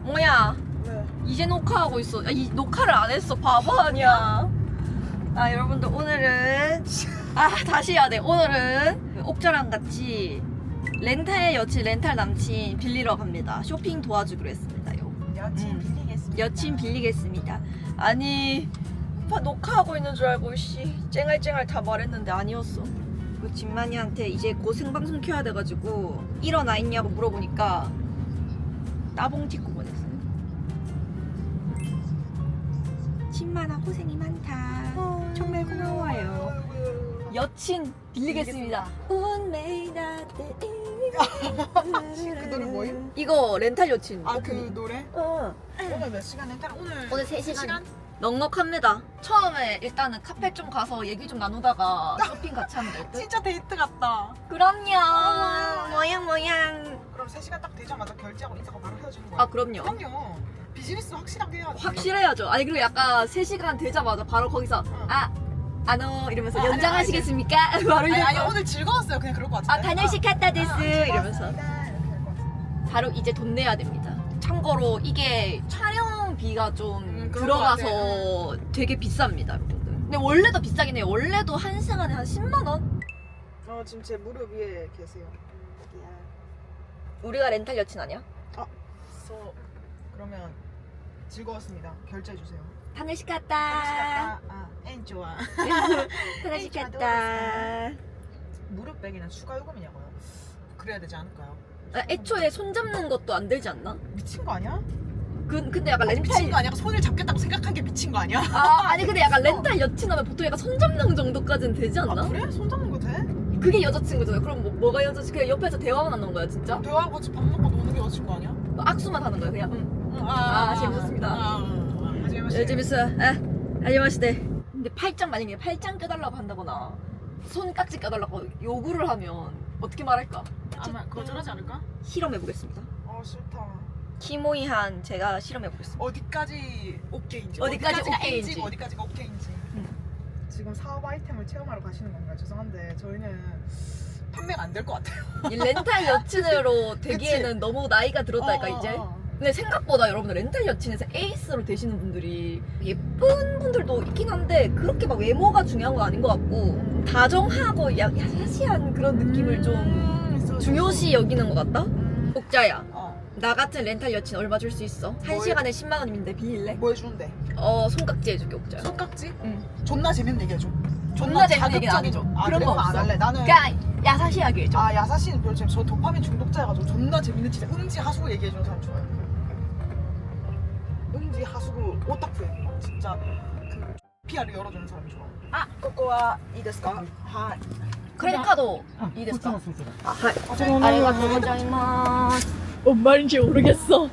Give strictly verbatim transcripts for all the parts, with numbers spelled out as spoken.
뭐야? 네. 이제 녹화하고 있어. 야, 이 녹화를 안 했어. 바보 아니야. 아 여러분들 오늘은 아 다시 해야 돼. 오늘은 옥자랑 같이 렌탈 여친 렌탈 남친 빌리러 갑니다. 쇼핑 도와주기로 했습니다요. 여친 음. 빌리겠습니다. 여친 빌리겠습니다. 아니 오빠 녹화하고 있는 줄 알고 씨 쨍알쨍알 다 말했는데 아니었어. 그 진만이한테 이제 곧 생방송 켜야 돼가지고 일어나 있냐고 물어보니까 따봉 찍고 보냈어요. 진만아 고생이 많다. 정말 고마워요. 여친 빌리겠습니다. 운명이 그 노래 뭐예요? 이거 렌탈 여친. 아 그 노래? 어. 오늘 몇 시간 했다? 오늘 오늘 세 시간? 넉넉합니다. 처음에 일단은 카페 좀 가서 얘기 좀 나누다가 쇼핑 같이 하면 될 듯? 진짜 데이트 같다. 그럼요. 어머. 모양 모양. 그럼 세 시간 딱 되자마자 결제하고 인사가 바로 헤어지는 거야? 아 그럼요. 그럼요. 비즈니스 확실하게 해야지. 확실해야죠. 아니 그리고 약간 세 시간 되자마자 바로 거기서 응. 아 안어 이러면서 아, 연장하시겠습니까? 바로 아니, 이러면서 아니 오늘 즐거웠어요. 그냥 그럴 것 같은데. 아 단열식 갔다 데스 아, 이러면서 즐거웠습니다. 이렇게 될 것 같은데. 바로 이제 돈 내야 됩니다. 참고로 이게 촬영비가 좀 음, 그런 들어가서 되게 비쌉니다, 여러분들. 근데 원래도 비싸긴 해요. 원래도 한 시간에 한 십만 원? 어 지금 제 무릎 위에 계세요. 여기야. 우리가 렌탈 여친 아니야? 저 그러면 즐거웠습니다. 결제해 주세요. 하늘씩 하나씩 갔다. 갔다. 아, 엔 좋아. 하늘씩 에이, 갔다. 무릎 베기는 추가 요금이냐고요? 그래야 되지 않을까요? 아, 애초에 손 잡는 것도 안 들지 않나? 미친 거 아니야? 그, 근데 약간 미친 렌탈. 거 아니야? 손을 잡겠다고 생각한 게 미친 거 아니야? 아, 아니 근데 약간 렌탈 여친 하면 보통 약간 손 잡는 정도까지는 되지 않나? 아 그래? 손 잡는 거 돼? 그게 여자친구잖아. 그럼 뭐, 뭐가 여자친구? 그냥 옆에서 대화만 하는 거야, 진짜? 대화하고 같이 밥 먹고 노는 게 여자친구 아니야? 뭐 악수만 하는 거야, 그냥. 응. 응, 아, 재밌었습니다. 아, 아, 아, 아, 재밌었어요. 예, 재밌어요. 아, 하지마시대. 근데 팔짱 만약에 팔짱 껴달라고 한다거나 손깍지 껴달라고 요구를 하면 어떻게 말할까? 아마 거절하지 않을까? 실험해보겠습니다. 어 싫다. 키모이한 제가 실험해보겠습니다. 어디까지 오케이인지 어디까지 어디까지가 오케이인지. N지고 어디까지가 오케이인지. 응. 지금 사업 아이템을 체험하러 가시는 건가요? 죄송한데 저희는 판매가 안 될 것 같아요. 이 렌탈 여친으로 되기에는 너무 나이가 들었다니까 어, 이제. 어, 어. 근데 생각보다 여러분들 렌탈 여친에서 에이스로 되시는 분들이 예쁜 분들도 있긴 한데 그렇게 막 외모가 중요한 건 아닌 것 같고 다정하고 야, 야사시한 그런 느낌을 좀 음, 있어, 있어, 중요시 여기는 것 같다? 음. 옥자야, 어. 나 같은 렌탈 여친 얼마 줄 수 있어? 한 뭐 시간에 십만 원인데 빌릴래? 뭐 해주는데? 어 손깍지 해줄게 옥자야. 손깍지? 응. 존나 재밌는 얘기 해줘. 존나 재밌는 얘기는 안 자극적인- 해줘. 아, 그런 그래? 거 그럼 안 없어. 할래. 나는 그냥 야사시하게 해줘. 아 야사씨는 별로 재밌어. 저 도파민 중독자여가지고 존나 재밌는 진짜 음지 하수구 얘기해주는 사람 좋아요. 음지 하수구 오타쿠에 진짜 그 피아를 열어주는 사람이 좋아. 아, 꼬꼬와 이 데스까? 하. 크레딧 카드 이 됐어. 아, 하이. 아, 아리가또 고자이마스. 뭔 말인지 모르겠어.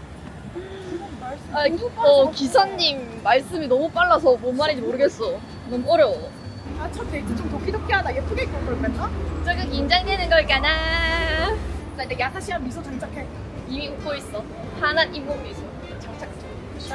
아, 어, 기사님 말씀이 너무 빨라서 뭔 말인지 모르겠어. 너무 어려워. 아, 첫 데이트 좀 도끼도끼하다. 예쁘게 입고 올 걸 그랬나? 조금 긴장되는 걸까나? 나 이제 야사씨한 미소 장착해. 이미 웃고 있어. 하나 잇몸 미소. 장착 중.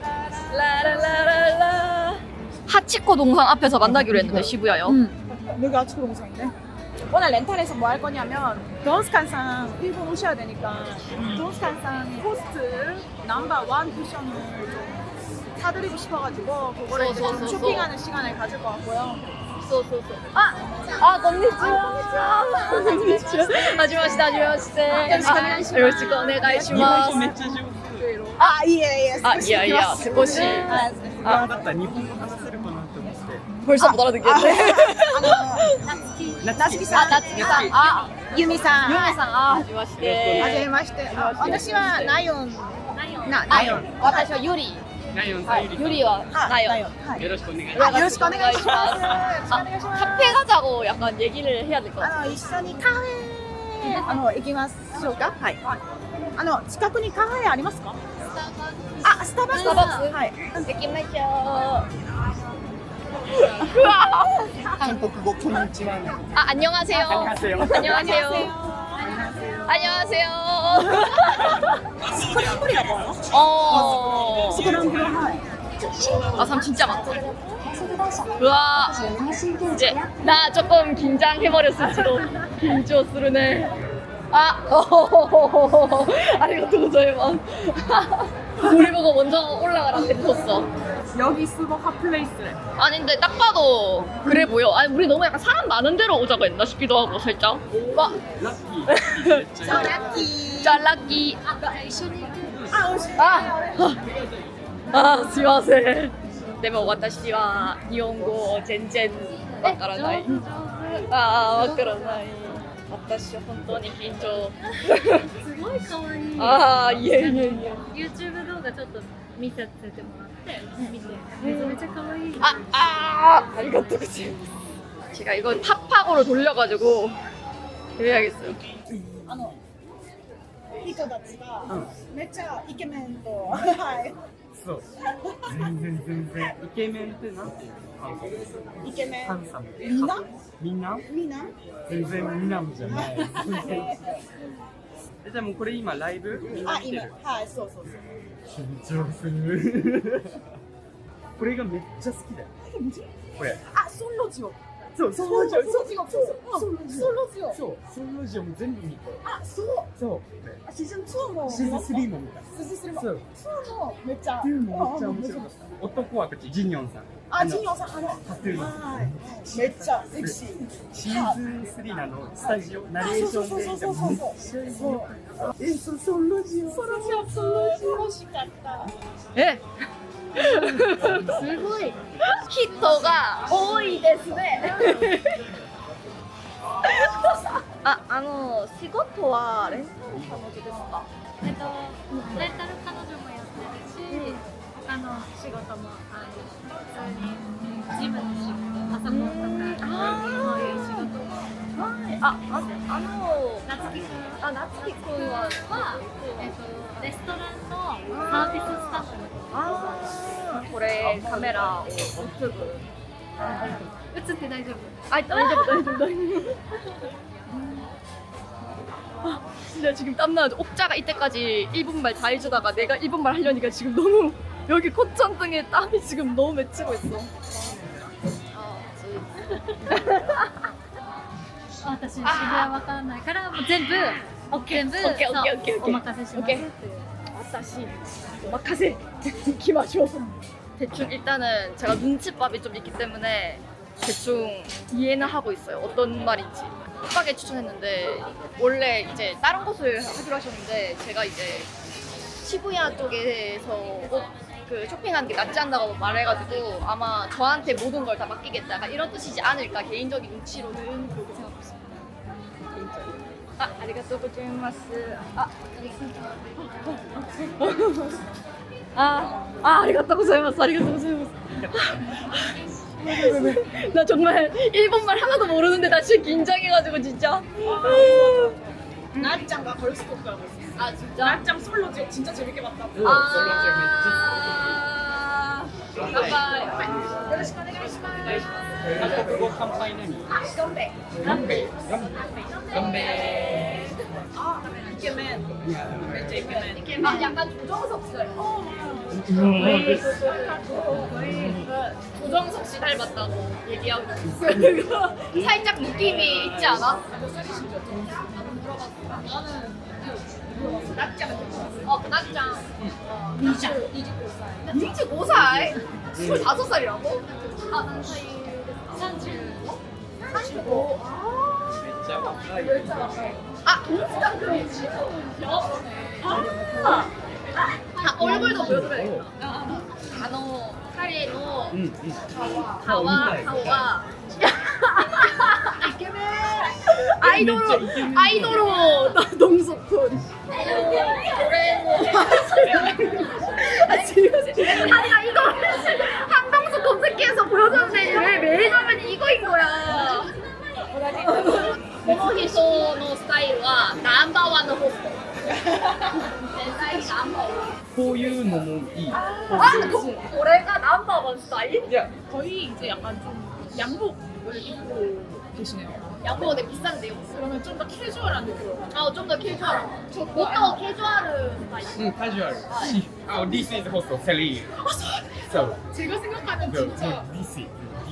라라라라라. 하치코 동상 앞에서 만나기로 했는데 시부야요. 응. 여기 아치코 동상인데. 오늘 렌탈에서 뭐 할 거냐면 돈스칸상 일본 오셔야 되니까 돈스칸상 포스트 넘버 원 쿠션을 좀 사드리고 싶어가지고 그거를 이제 좀 쏘쏘쏘쏘. 쇼핑하는 시간을 가질 것 같고요. 쏘쏘쏘. 아, 아, 건니치와. 건니치와. 하지마시다, 하지마시다. 요시코 요시코 오네가이시마스. めっちゃ上手。 아, 예, 예. あ、いやいや、少し。 ああ、だったら日本語話せるかなと思って。 벌써 못 알아듣겠네. 나츠키 あ、 さん、 夏木さん。あ、 ユミさん。 ゆめさん。あ、はじめまして。 はじめまして。あ私はナヨン。な、ナナヨン。 私はユリ。 ライオンさんはい、ユリはナヨン。 はい。 よろしくお願いしまあよろしくお願いします。よろしくおあ、 願いします。 카페 가자고 약간 얘기를 해야 될 것 같아. あの一緒にカフェあの行きましょうか。はい。あの近くにカフェありますか？あ、スタバスタバックスはい。 行きましょう。うわ韓国語こんにちは。 아, 안녕하세요. 안녕하세요. 안녕하세요. 안녕하세요. 스크램블이라고 하나? 어. 스크램블 하이. 아, 사람 진짜 많다. 우와. 이제 나 조금 긴장해버렸을지도. 긴張するね. 아, 아리가또 고자이마스. 우리 보고 먼저 올라가라고 해줬어. 여기 스모 핫플레이스래. 아닌데 딱 봐도 그래 보여. 아니 우리 너무 약간 사람 많은 데로 오자고 했나 싶기도 하고 살짝. 와, ラッキーめっちゃ 짤라끼. あ、美味しい。 아, 아, すいません。でも私は日本語全然わからない。ああ、わからない。私は本当に緊張。 すごい可愛い。 ああ、いえいえいえ。 YouTube 動画ちょっと見せてもらって見てめちゃめちゃ可愛い。 아, 아, 아리가또 고자이마스. 제가 이걸 팝팍으로 돌려가지고 해야겠어요. あの人たちがめっちゃイケメンと、はいそう全然全然イケメンってなんていうのイケメンハンサムみんなみんなみんな全然みなむじゃないえじゃあもうこれ今ライブみんなあ今見てるはいそうそうそう緊張するこれがめっちゃ好きだよこれあソンロジオそうソそうンロジオソンロジオそうソンロジオソンロジオそうソンロジオも全部見てあそうそうあシーズンツーもシーズンスリーも見たシーズンスリーもそうツーもめっちゃツーもめっちゃ面白かった男はこっちジニョンさんあジニョンさんあのタトゥーのはいめっちゃセクシーシーズンスリーのあのスタジオナレーションでめっちゃ良かったえそうソンロジオソンロジオソンロジオ欲しかった 예. すごい。 히터가多いですね. 아, あの仕事はレンタル彼女ですか? えっとレンタル彼女もやってるし、他の仕事もある。普通にジムの仕事、パソコンとかそういう仕事も。 はい。あ、あ、あの夏希くんあ、夏希くんははえっとレストランのサービススタッフ。 あーこれカメラを映すぐ映って大丈夫。 아,大丈夫, 다이죠, 다이죠. 아, 진짜 지금 땀나죠. 옥자가 이때까지 일본말 다 해주다가 내가 일본말 하려니까 지금 너무 여기 콧천등에 땀이 지금 너무 맺히고 있어. 아, 私渋谷わかんないからもう全部全部オッケーオッケーオッケーオッケーそうお任せしますっていう。 아따시, 오마카세. 기마쇼. 대충 일단은 제가 눈치밥이 좀 있기 때문에 대충 이해는 하고 있어요. 어떤 말인지. 급하게 추천했는데 원래 이제 다른 곳을 하기로 하셨는데 제가 이제 시부야 쪽에서 옷 그 쇼핑하는 게 낫지 않다고 말해가지고 아마 저한테 모든 걸 다 맡기겠다. 약간 이런 뜻이지 않을까 개인적인 눈치로는 그렇게 생각하고 있습니다. 개인적으로. 아, 아리가또 고자이마스. 아, 아, 아, 아리가또 고자이마스. 아리가또 고자이마스. 나 정말 일본말 하나도 모르는데 나 지금 긴장해가지고 진짜. なっちゃんがこれスコップ하고 있어 아 진짜? なっちゃんソンロジオ진짜 재밌게 봤다 오 아. 솔로지めっちゃ乾杯. よろしくお願いします韓国語乾杯何ガンベ乾杯乾杯あイケメンめっちゃイケメン 아 약간 조정석 씨 닮았어. 조정석 씨 닮았다고 얘기하고 있어. 살짝 느낌이 있지 않아? 나짱 어, 낙장. 이십오 살. 이십오 살? 스물다섯 살이라고? 아, 난 사이 삼십오? 삼십오. めっちゃ若い 아, 동스타크이지? 아, 아, 얼굴도 보여드려야겠다. 아, 너, 카리의のうんうん顔は、顔が、イケメンアイドル、アイドル동석군. 올해 아, 지금 아니 아이돌 한동숙 검색기에서 보여줬는데 왜 매일 하면 이거인 거야. この人のスタイルはナンバーワンのホスト。絶対にナンバーワン。 こういうのもいい 아, 그, 올해가 넘버 원 스타일? いや 거의 이제 약간 좀 양복을 입고 계시네요 양보가 되게 비싼데요. 그러면 좀 더 캐주얼한 느낌으로 아, 좀 더 캐주얼한. 보통 캐주얼은 스타일. うんカジュアルあ This is host セリーそう 제가 생각하는 그, 진짜 This is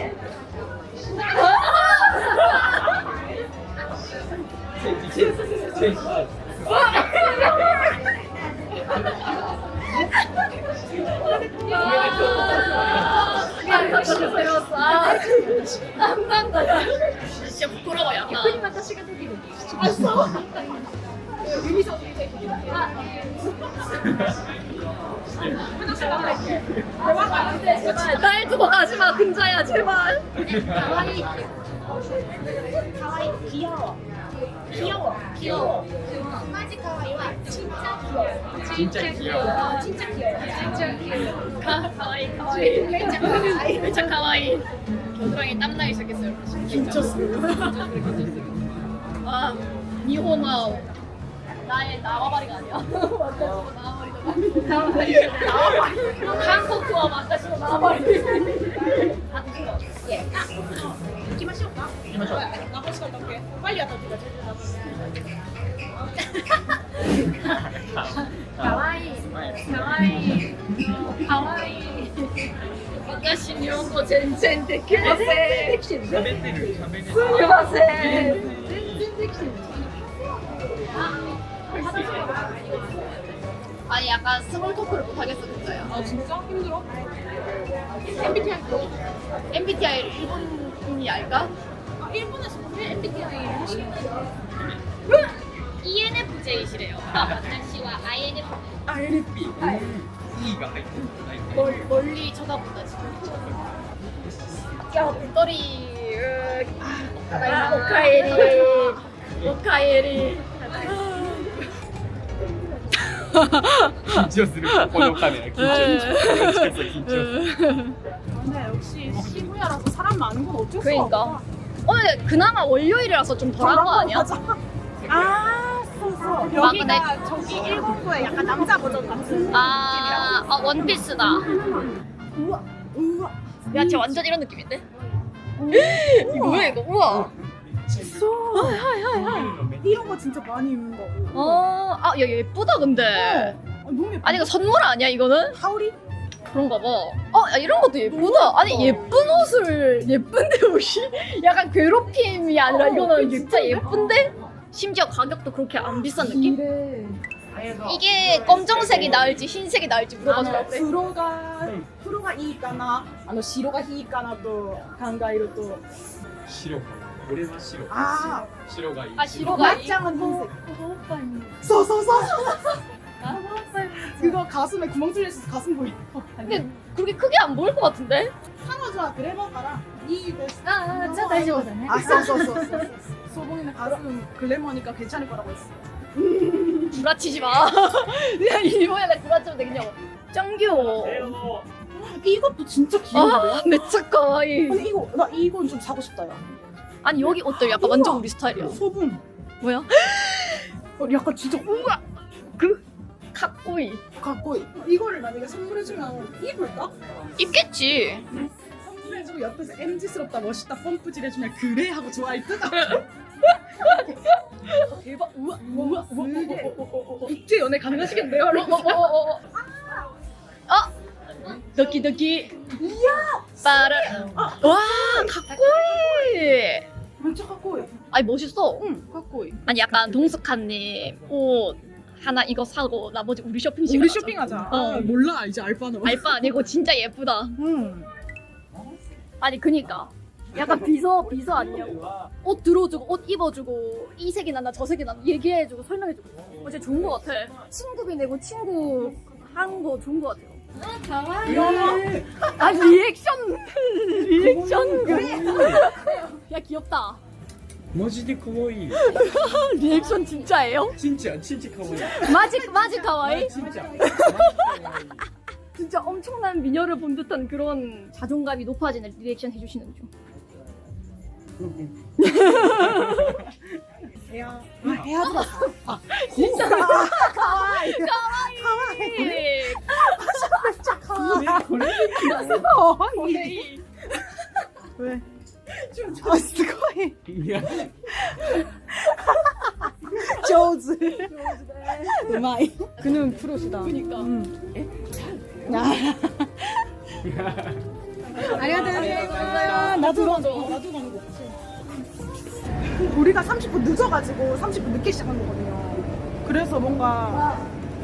진짜 부끄러워 약간. 逆に私ができる。 제발 날 두고 가지마 금자야 제발. 可愛いって。可愛い。器用。器用。器用。マジ可愛いわ。ちっちゃい。 진짜 귀여워. 진짜 귀여워. 진짜 귀여워. 가와이 가와이. 진짜 가와이. 진짜 가와이. 겨드랑이 땀 나기 시작했어요. 긴쳤어. 아 니혼아 나의 나와바리가 아니야. 완전 나와바리다. 나와바리. 나와바리. 한국과 완전 나와바리. 아 이거. 예. 行きましょうか。行きましょう。何本しかだっけ？빨리 왔다 우리가 제일 나쁘네. 可愛い。可愛い。可愛い。 私日本語全然できません。 喋ってる、喋ってる。 すみません。 全然できてる。 아니 약간 스몰 토크를 못 하겠어 진짜야. 아 진짜 힘들어? 엠비티아이 엠비티아이를 일본인이 알까? 아 일본에서 왜 엠비티아이 하시는 이엔에프제이시래요. 私は 아이엔에프。 아이엘피. E가 入ってる。 멀, 멀리 쳐다본다 지금. 야 물돌이. 으, 아, 오카에리. 오카에리. 緊張する。このカメラ緊張する。緊張する。 근데 역시 시부야라서 사람 많은 건 어쩔 수가 그러니까. 없다. 오늘 그나마 월요일이라서 좀 덜한 거 아니야? 맞아. 아, 써서 근데- 여기가 저기 일본부의 약간 남자 버전 같은 아, 아 원피스다. 우와, 우와. 야, 쟤 완전 이런 느낌인데? 이거 뭐야 이거? 우와. 있어. 이런 거 진짜 많이 입는 거고. 어, 아, 야 예쁘다 근데. 아, 너무 예뻐. 아니 이거 선물 아니야 이거는? 하울이? 그런가 봐. 어, 야, 이런 것도 예쁘다. 아니 예쁜 옷을 예쁜데 옷이 약간 괴롭힘이 아니라 어, 이거는 진짜 진짜 예쁜데? 심지어 가격도 그렇게 안 비싼 느낌? 이래. 이게 검정색이 나을지 흰색이 나을지 물어봐서 아, 그래. 黒が黒がいいかな、あの白がいいかなと考えると、 白か。俺は白。 あ白がいい。 아 あ、 白がいいまっちゃんは銀 오빠 언니. そうそうそうそう。 오빠 언니 그거 가슴에 구멍 뚫려 있어서 가슴 보이고. 근데 그렇게 크게 안 보일 것 같은데? 상어자 그래봐 가라. 이 베스트. ああじゃあ大丈夫だね 아, 써써써써. 소봉이는 가슴 글래머니까 괜찮을 거라고 했어. 구라치지 마. 그냥 일본에 구라치면 되겠냐고. 짱 귀여워. 이것도 진짜 귀여운데? 아, 매차 가와이. 근데 이거 나 이건 좀 사고 싶다 야. 아니 여기 옷도 약간 완전 우리 스타일이야. 소봉. 뭐야? 어, 약간 진짜 우와 그 카꼬이. 갖고 이거를 만약에 선물해주면 입을까? 입겠지. 선물해주고 옆에서 엠지스럽다 멋있다 펌프질 해주면 그래 하고 좋아할 듯. 대박. 우와 우와 우와 우와. 국제 연애 가능하시겠네요? 어어어어. 어. 도끼도끼. 이야. 빠르. 와 카꼬이. 진짜 갖고 해. 아니 멋있어. 응 갖고 해. 아니 약간 동숙한님 옷 하나 이거 사고 나머지 우리 쇼핑 시간 우리 하자. 쇼핑하자. 어. 아, 몰라 이제 알바는. 알바 아니고 진짜 예쁘다. 응. 아니 그니까 약간 비서 비서 아니냐고. 옷 들어주고 옷 입어주고 이 색이 난다 저 색이 난다 얘기해주고 설명해주고. 어, 진짜 좋은 것 같아. 친구비 내고 친구 하는 거 좋은 것 같아요. 아 리액션 리액션 그래. 야 귀엽다. マジで可愛い 리액션 진짜예요? ちんちゃんちんちゃん可愛い 마지 마지 가와이? ちんちゃん 진짜 엄청난 미녀를 본 듯한 그런 자존감이 높아지는 리액션 해주시는 중. 야, 해야 들었어. 진짜 가와이. 가와이. 진짜 가와이. これ 가와이. 왜? 아, 스고이. いや 조즈. 우마이. 그는 프로시다. 그니까. 아리가토. 나도 나도 나도 가는 거. 우리가 삼십 분 늦어가지고 삼십 분 늦게 시작한 거거든요. 그래서 뭔가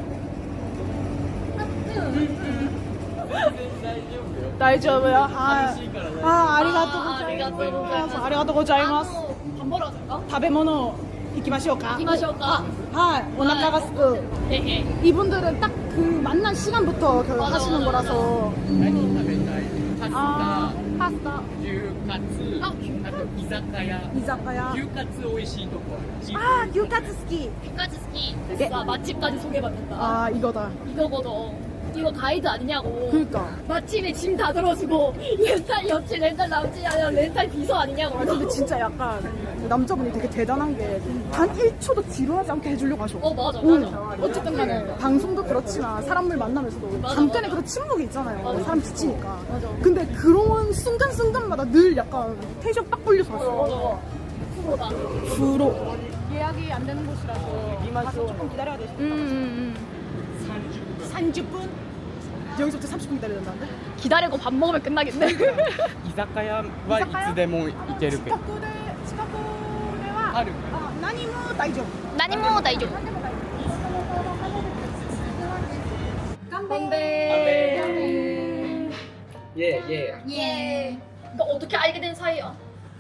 다이저브요. 아, 아, 아리가토 고자이마스. 아리가토 고자이마스. 밥 먹으러 갈까? 食べ物行きましょうか. 이마쇼까? 하, 오나카가 스프. 헤헤. 이분들은 딱 그 만난 시간부터 결 맞아, 하시는 맞아, 거라서. 何食べたいパス 아, タ 파스타, 牛カツあと居酒屋 이자카야. 牛カツ美味しいとこ 아, gyutatsu 스키. 까지 스키. 예. 와 맛집까지 소개받는다. 아, 이거다. 이거거든. 이거 가이드 아니냐고. 그니까. 맛집에 짐 다 들어주고 렌탈 여친 렌탈 남친 아니야 렌탈 비서 아니냐고. 아, 근데 진짜 약간 남자분이 되게 대단한 게 단 일 초도 지루하지 않게 해주려고 하셔. 어 맞아 응. 맞아. 어쨌든 간에 방송도 그렇지만 사람을 만나면서도 맞아, 잠깐의 맞아. 그런 침묵이 있잖아요. 맞아. 사람 지치니까. 맞아. 근데 그런 순간순간마다 늘 약간 텐션 빡 불려서 맞아 왔어. 맞아. 프로다. 프로. 예약이 안 되는 곳이라서 가서 조금 기다려야 되죠. 음, 음, 삼십 분? 여기서부터 삼십 분 기다려야 된다는데? 기다리고 밥 먹으면 끝나겠네. 居酒屋はいつでも行けるけど 스카코데, 스카코데와 ある 아, 나니모 다이죠. 나니모 다이죠. 건배. イエーイイエ 예. 너 어떻게 알게 된 사이야?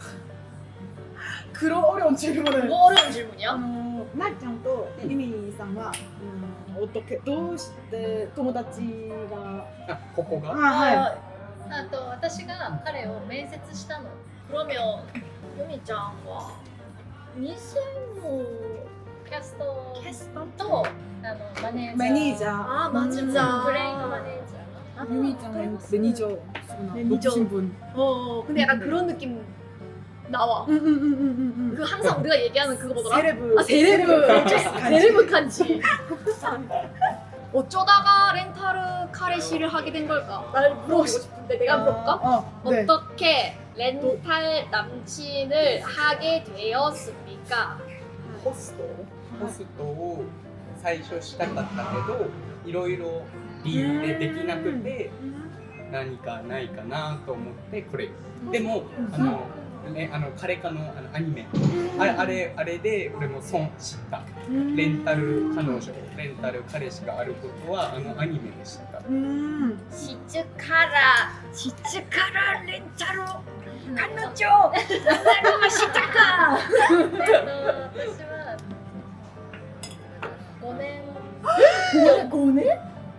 그런 어려운 질문을. 뭐 어려운 질문이야? 어, 나리ちゃんとユミさんは、うん、어떻게 どうして友達がーあここが 아, はい。 あと私が彼を面接したの 그러면 유미짱과 にせんのキャストキャストとあのマネージャーマネージャー。 아 맞아. ブレインのマネージャー 유미짱은 매니저. 매니저. 높으신 분. 어 근데 약간 그런 느낌 나와. 응응응응응응. 그 항상 우리가 얘기하는 그거 뭐더라? 세레브. 아 세레브. 간지. 세레브 칸지. 어쩌다가 렌타르 카레시를 하게 된 걸까? 날 물어보고 싶은데 내가 물어볼까? 어, 네. 어떻게 렌탈 남친을 하게 되었습니까? ホストホストを最初したかったけどいろいろ理由でできなくて何かないかなと思ってこれでもあの、ね、あの彼かのあのアニメあれあれあれで俺も損知ったレンタル彼女レンタル彼氏があることはあのアニメで知った 음. 시츠카라 시츠카라 렌타르 간노죠 렌타르 시타카 えっと私はごねん 고네?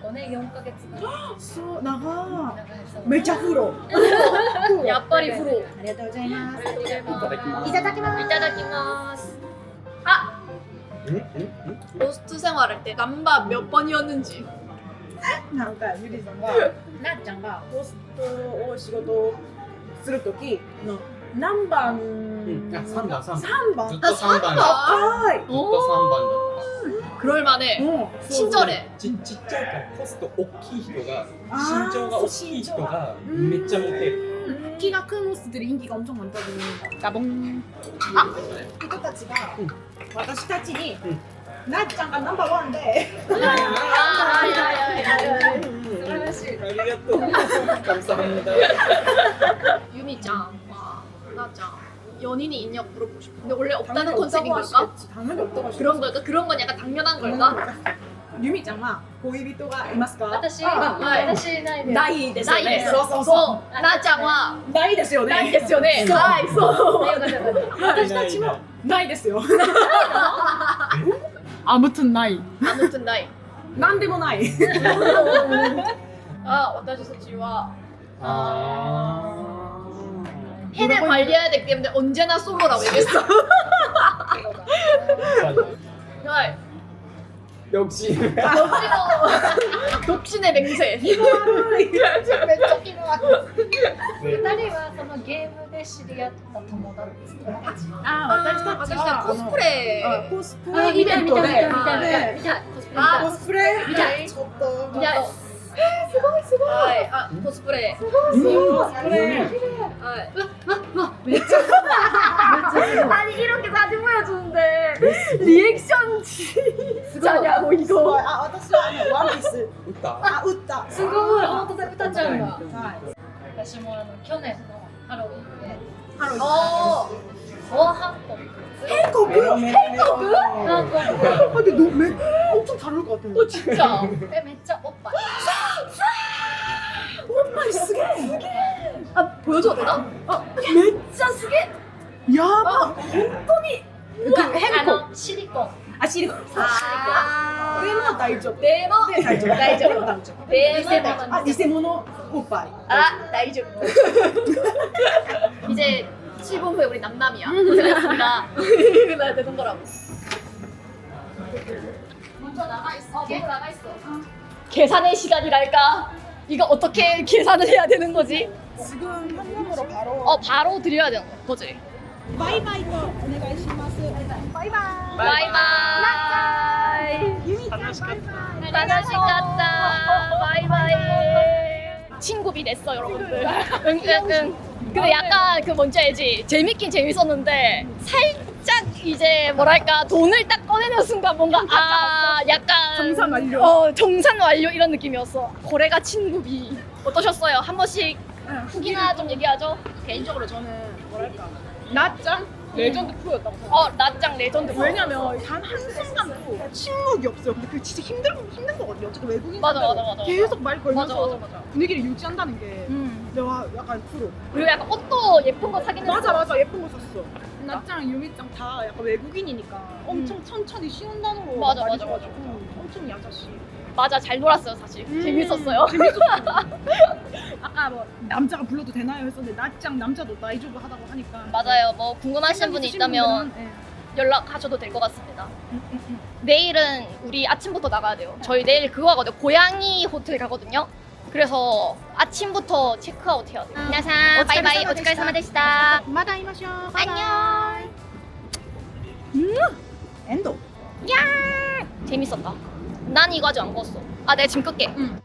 ごねんよんかげつぐらいそう長長いそうめっちゃ風呂やっぱり風呂。 ありがとうございますありがとうございますいただきますいただきますいただきます. 응? 응? 응? 호스트 생활할 때 남바 몇 번이었는지. なんかゆりさんがなっちゃんがホストを仕事するときの何番 응. 야, 삼 번, 삼 번. さんばんずっとさんばんだっはいた. ずっとさんばんだった. 그럴만해. うん 친절해. ちちっちゃいからホスト大きい人があー身長が大きい人がめっちゃモテる. 키가 큰 호스트들이 인기가 엄청 많다고. 나봉. 아, 이거たちが 응. 私たちに 응. なっちゃんがナンバーワンで 아리가또. 감사합니다. 유미짱, 와, 나짱 연인이 있냐고 물어보고 싶어. 근데 원래 없다는 당연히 컨셉인 없다고 걸까? 하시겠지. 당연히 없다고 하시겠지. 그런 걸까? 그런 건 약간 당연한 걸까? 유미ちゃんは 恋人がいますか？ 私あはい私ないですないですよね。 ないです。 そうそうそそう。なっちゃんはう。ないですよね。 ないですよね。 そうはい、そう。 私たちもないですよ。아무튼ない。 아무튼 나이. なんでもない。 아,私たちは 아. 팬을 관리해야 되기 때문에 언제나 솔로라고 얘기했어. 네. 역시. 독신의, 독신의 맹세. めっちゃ気の合う。 네. 二人はそのゲームで知り合った友達友達あ、私たち私は 아, 코스프레. あコスプあレイベントで。 見た見た見た見たコスプレ見たコスプレ見たいちょっと。 見たい。 すごいすごい。 はい、あ、コスプレ。 コスプレ。 はい. 아니 이렇게 사진 보여주는데 리액션 진짜냐고 すごい。あ、私はあのワンピース。 웃다. あ、打った。 すごい本当だ歌ちゃんがはい。 私もあの去年のハロウィンでハロウィン。 어, 大韓国韓国 메로 메로 메로. 韓国 아, 근데 너 매, 엄청 다를 것 같은데. 어, 진짜. えめっちゃおっぱい 오빠 쓰게. 아, 보여줘도 되나? 아, 진짜 쓰게? 야바. 그 あ 행복. のシリコン 아, 시리코. 아, 데모 다이죠. 데모. 네, 다이죠. 다이죠. 데모 다이죠. 데모. 아, 니세모노 오빠이. 아, 나이죠. 이제 칠 분 후에 우리 남남이야. 고생했습니다. 나 되는 거라고. 먼저 나가 있어. 먼저 나가 있어. 계산의 시간이랄까? 이거 어떻게 계산을 해야 되는 거지? 지금 현금으로 바로. 어, 바로 드려야 되는 거지. 바이바이도 오네가이시마스. 바이바이. 바이바이. 유미짱 하나씩 갔다. 바이바이. 친구비 냈어, 여러분들. 응, 응, 응. 근데 약간 그 뭔지 알지? 재밌긴 재밌었는데 살짝 이제 뭐랄까 돈을 딱 꺼내는 순간 뭔가 아 약간 정산 완료. 어 정산 완료 이런 느낌이었어. 고래가 친구비 어떠셨어요? 한 번씩 후기나 좀 얘기하죠. 개인적으로 저는 뭐랄까 나짱 레전드 프로였다고 생각해요. 어 나짱 레전드. 왜냐면 단 한순간도 침묵이 없어요. 근데 그게 진짜 힘들, 힘든 거거든요. 어쨌든 외국인 맞아, 상대로 맞아, 맞아. 계속 말 걸면서 맞아, 맞아, 맞아. 분위기를 유지한다는 게 음. 내가 약간 프로. 그리고 약간 옷도 예쁜 거 사긴 했어. 맞아 맞아 예쁜 거 샀어. 나짱 유미짱 다 약간 외국인이니까 엄청 천천히 쉬운 단어로 음. 맞아, 많이 맞아, 써가지고 맞아. 엄청 야자씨. 맞아 잘 놀았어요 사실. 음, 재밌었어요. 재밌었어. 아까 뭐 남자가 불러도 되나요 했었는데 나짱 남자도 나이조브 하다고 하니까. 맞아요. 뭐 궁금하신 분이 있으신 있다면 분들은, 네. 연락하셔도 될 것 같습니다. 음, 음, 음. 내일은 우리 아침부터 나가야 돼요. 저희 내일 그거 하거든요. 고양이 호텔 가거든요. 그래서 아침부터 체크아웃 해야 돼요. 안녕, 바이바이, 오츠카레사마 데시타. 마다 이마쇼. 안녕. 엔도. 야, 재밌었다. 난 이거 아직 안 껐어. 아, 내가 지금 끌게. 응.